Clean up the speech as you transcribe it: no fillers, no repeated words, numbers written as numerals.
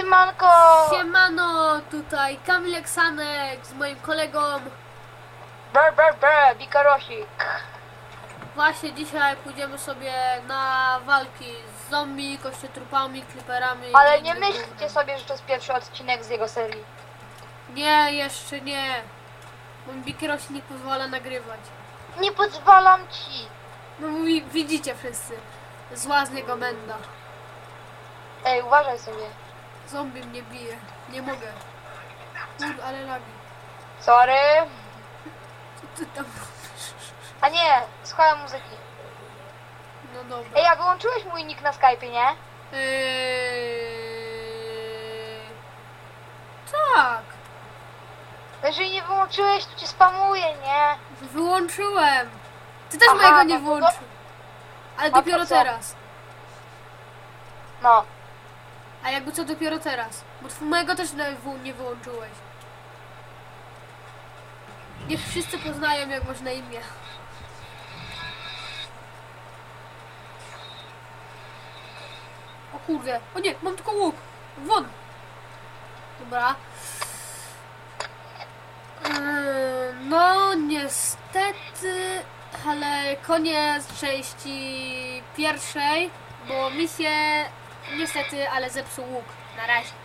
Siemanko! Siemano, tutaj Kamil Eksanek z moim kolegą. Bikarosik. Właśnie dzisiaj pójdziemy sobie na walki z zombie, kościotrupami, kliperami. Ale i nie innym myślcie gównem. sobie, że to jest pierwszy odcinek z jego serii. Nie, jeszcze nie. Bo mi Bikerosi nie pozwala nagrywać. Nie pozwalam ci. No widzicie wszyscy. Zła z niego menda. Ej, uważaj sobie. Zombie mnie bije. Nie mogę. Ale lagi. Sorry. Co ty tam robisz? A nie, słuchałem muzyki. No dobra. Ej, a wyłączyłeś mój nick na Skype'ie, nie? Tak. Jeżeli nie wyłączyłeś, to cię spamuję, nie? Wyłączyłem. Ty też Aha, mojego nie no to- wyłączył. Ale A to dopiero co? teraz. No. A jakby co dopiero teraz? Bo mojego też nie wyłączyłeś. Niech wszyscy poznają, jak masz na imię. O kurde. O nie, mam tylko łuk. Won. Dobra. No niestety, ale koniec części pierwszej, bo mi się niestety, ale zepsuł łuk. Na razie.